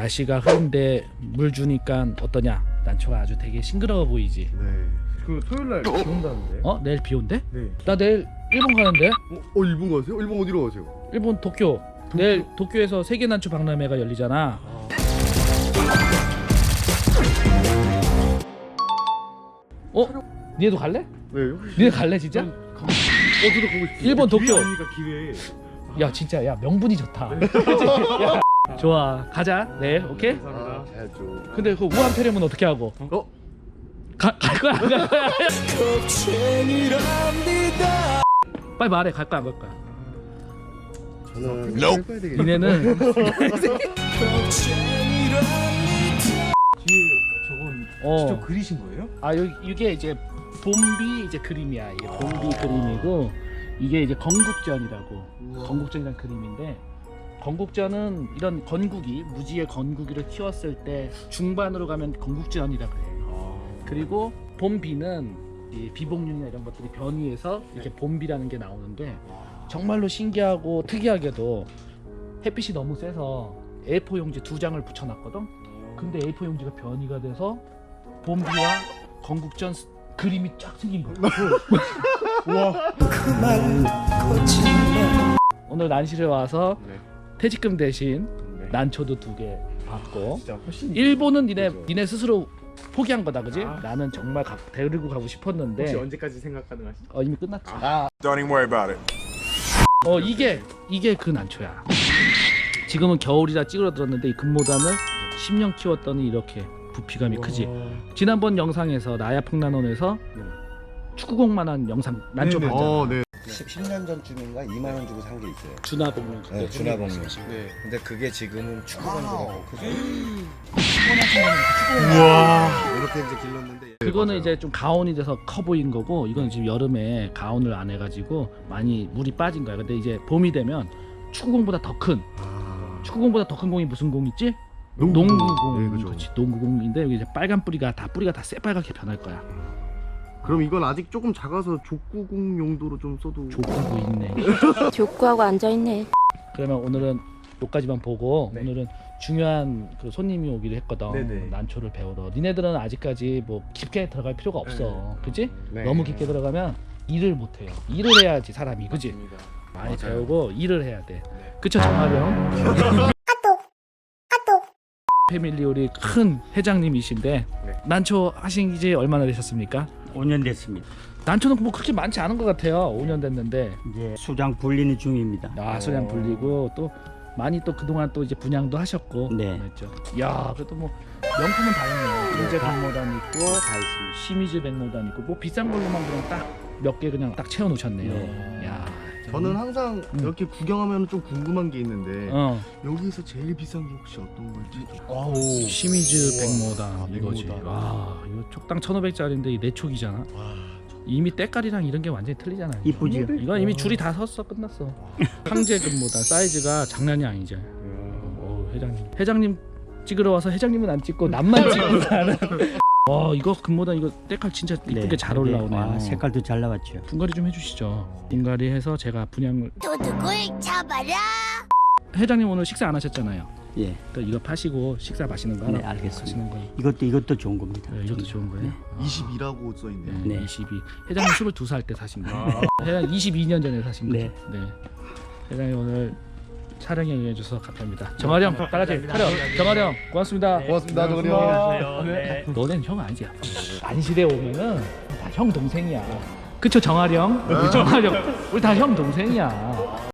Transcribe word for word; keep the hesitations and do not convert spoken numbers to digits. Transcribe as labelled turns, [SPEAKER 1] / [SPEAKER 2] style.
[SPEAKER 1] 날씨가 흐린데 물 주니까 어떠냐? 난초가 아주 되게 싱그러워 보이지.
[SPEAKER 2] 네. 그 토요일 날 비 온다는데.
[SPEAKER 1] 어? 내일 비 온대?
[SPEAKER 2] 네.
[SPEAKER 1] 나 내일 일본 가는데?
[SPEAKER 2] 어, 어 일본 가세요? 일본 어디로 가세요?
[SPEAKER 1] 일본 도쿄. 내일 도쿄에서 세계 난초 박람회가 열리잖아.
[SPEAKER 2] 아.
[SPEAKER 1] 어? 니네도 갈래?
[SPEAKER 2] 네. 혹시
[SPEAKER 1] 니네 갈래 진짜?
[SPEAKER 2] 전 가고 싶- 어, 저도 가고 싶어요.
[SPEAKER 1] 일본 도쿄.
[SPEAKER 2] 기회 아닙니까 기회.
[SPEAKER 1] 야 진짜 야 명분이 좋다. 그치? 야, 좋아 가자. 네 오케이.
[SPEAKER 2] 감사합니다. 잘 줘.
[SPEAKER 1] 근데 그 우한 폐렴은 어떻게 하고?
[SPEAKER 2] 어?
[SPEAKER 1] 가, 갈 거야 안 갈 거야? 빨리 말해 갈 거야 안 갈 거야?
[SPEAKER 2] 저는 할 거야 되겠네.
[SPEAKER 1] 니네는
[SPEAKER 3] 뒤에 저건
[SPEAKER 1] 어.
[SPEAKER 3] 직접 그리신 거예요?
[SPEAKER 1] 아 여기 이게 이제 봄비 이제 그림이야. 이게 봄비 그림이고 이게 이제 건국전이라고.
[SPEAKER 2] 우와.
[SPEAKER 1] 건국전이란 그림인데 건국전은 이런 건국이 무지의 건국이를 키웠을 때 중반으로 가면 건국전이라고 해. 그리고 봄비는 이 비복륜이나 이런 것들이 변이해서 이렇게 봄비라는 게 나오는데 정말로 신기하고 특이하게도 햇빛이 너무 세서 에이포 용지 두 장을 붙여놨거든. 근데 에이포 용지가 변이가 돼서 봄비와 건국전 스- 그림이 쫙 생긴 거야.
[SPEAKER 2] 우와.
[SPEAKER 1] 오늘 난실에 와서
[SPEAKER 2] 네.
[SPEAKER 1] 퇴직금 대신
[SPEAKER 2] 네.
[SPEAKER 1] 난초도 두 개 받고.
[SPEAKER 2] 진짜 훨씬.
[SPEAKER 1] 일본은 니네
[SPEAKER 2] 그죠.
[SPEAKER 1] 니네 스스로 포기한 거다, 그지?
[SPEAKER 2] 아.
[SPEAKER 1] 나는 정말 가, 데리고 가고 싶었는데
[SPEAKER 2] 혹시 언제까지 생각 가능하시죠?
[SPEAKER 1] 어, 이미 끝났지. 아.
[SPEAKER 4] Don't even worry about it.
[SPEAKER 1] 어 이게 이게 그 난초야. 지금은 겨울이라 찌그러들었는데 이 금모단을 십 년 키웠더니 이렇게 부피감이 크지. 지난번 영상에서 나야 풍란원에서
[SPEAKER 2] 네.
[SPEAKER 1] 축구공만한 영상 난초
[SPEAKER 2] 네네.
[SPEAKER 1] 봤잖아.
[SPEAKER 2] 어, 네.
[SPEAKER 5] 십 년 전쯤인가 이만 원 주고 산 게 있어요.
[SPEAKER 1] 준하복륜 그때
[SPEAKER 5] 네, 준하복륜.
[SPEAKER 2] 네.
[SPEAKER 5] 근데 그게 지금은 축구공보다 크죠.
[SPEAKER 2] 우와.
[SPEAKER 5] 이렇게 이제 길렀는데
[SPEAKER 1] 그거는
[SPEAKER 2] 맞아요.
[SPEAKER 1] 이제 좀 가온이 돼서 커 보인 거고 이건 지금 여름에 가온을 안 해가지고 많이 물이 빠진 거야. 근데 이제 봄이 되면 축구공보다 더 큰
[SPEAKER 2] 아.
[SPEAKER 1] 축구공보다 더 큰 공이 무슨 공 있지?
[SPEAKER 2] 농구공.
[SPEAKER 1] 농구공.
[SPEAKER 2] 네, 그죠.
[SPEAKER 1] 그렇지. 농구공인데 여기 이제 빨간 뿌리가 다 뿌리가 다 새빨갛게 변할 거야.
[SPEAKER 2] 그럼 이건 아직 조금 작아서 족구공 용도로 좀 써도.
[SPEAKER 1] 족구고 있네.
[SPEAKER 6] 족구하고 앉아있네.
[SPEAKER 1] 그러면 오늘은 여기까지만 보고
[SPEAKER 2] 네.
[SPEAKER 1] 오늘은 중요한 그 손님이 오기로 했거든.
[SPEAKER 2] 네네.
[SPEAKER 1] 난초를 배우러. 니네들은 아직까지 뭐 깊게 들어갈 필요가 없어. 그치?
[SPEAKER 2] 네.
[SPEAKER 1] 너무 깊게 들어가면 일을 못해요. 일을 해야지 사람이. 그치?
[SPEAKER 2] 맞습니다.
[SPEAKER 1] 많이
[SPEAKER 2] 맞아요.
[SPEAKER 1] 배우고 일을 해야 돼.
[SPEAKER 2] 네.
[SPEAKER 1] 그쵸 정하령? 패밀리 우리 큰 회장님이신데
[SPEAKER 2] 네.
[SPEAKER 1] 난초 하신 지 얼마나 되셨습니까?
[SPEAKER 3] 오 년 됐습니다.
[SPEAKER 1] 난초는 뭐 그렇게 많지 않은 것 같아요. 오 년 됐는데
[SPEAKER 3] 이제 수장 불리는 중입니다.
[SPEAKER 1] 아 소량 불리고 또 많이 또 그동안 또 이제 분양도 하셨고
[SPEAKER 3] 네.
[SPEAKER 1] 그랬죠. 야 그래도 뭐 명품은 다 있네요. 인제 백모단 있고
[SPEAKER 3] 다 있습니다.
[SPEAKER 1] 시미즈 백모단 있고 뭐 비싼 걸로만 그냥 딱 몇 개 그냥 딱 채워 놓으셨네요.
[SPEAKER 3] 네.
[SPEAKER 1] 야
[SPEAKER 2] 저는 항상
[SPEAKER 1] 음.
[SPEAKER 2] 이렇게 구경하면 좀 궁금한 게 있는데
[SPEAKER 1] 어
[SPEAKER 2] 여기서 제일 비싼 게 혹시 어떤 걸지?
[SPEAKER 1] 아우 시미즈 백모단
[SPEAKER 2] 아,
[SPEAKER 1] 이거지.
[SPEAKER 2] 백모단.
[SPEAKER 1] 와 이거 촉당 천오백짜리인데 이 내촉이잖아. 이미 때깔이랑 이런 게 완전히 틀리잖아요.
[SPEAKER 3] 이쁘지요?
[SPEAKER 1] 이건 이미 줄이 다 섰어 끝났어. 황제 금모단 사이즈가 장난이 아니죠. 어, 회장님. 회장님 찍으러 와서 회장님은 안 찍고 남만 찍고 가는. 와 이거 금모단 이거 때깔 진짜 이쁘게
[SPEAKER 3] 네,
[SPEAKER 1] 잘
[SPEAKER 3] 네.
[SPEAKER 1] 올라오네요.
[SPEAKER 3] 아, 색깔도 잘 나왔죠.
[SPEAKER 1] 분갈이 좀 해주시죠. 분갈이 해서 제가 분양을.
[SPEAKER 6] 도둑을 잡아라.
[SPEAKER 1] 회장님 오늘 식사 안 하셨잖아요.
[SPEAKER 3] 예,
[SPEAKER 1] 또 이거 파시고 식사 마시는 거 하나.
[SPEAKER 3] 네, 알겠습니다.
[SPEAKER 1] 하시는 거.
[SPEAKER 3] 이것도 이것도 좋은 겁니다.
[SPEAKER 1] 네, 이것도 좋은 거예요.
[SPEAKER 3] 네.
[SPEAKER 1] 아.
[SPEAKER 2] 이십이라고 써 있네요.
[SPEAKER 1] 네,
[SPEAKER 3] 네.
[SPEAKER 1] 이십이. 회장님 스물두 살 때 사신 거예요. 회장님 이십이 년 전에 사신 거죠.
[SPEAKER 3] 네.
[SPEAKER 1] 네. 회장님 오늘 촬영에 응해주셔서 감사합니다. 정아령 다 같이 촬영. 정아령 고맙습니다.
[SPEAKER 2] 고맙습니다, 정은이 형.
[SPEAKER 1] 네. 너는 형 아니지? 안실에 오면은 다 형 동생이야. 그쵸 정아령? 정아령 우리 다 형 동생이야.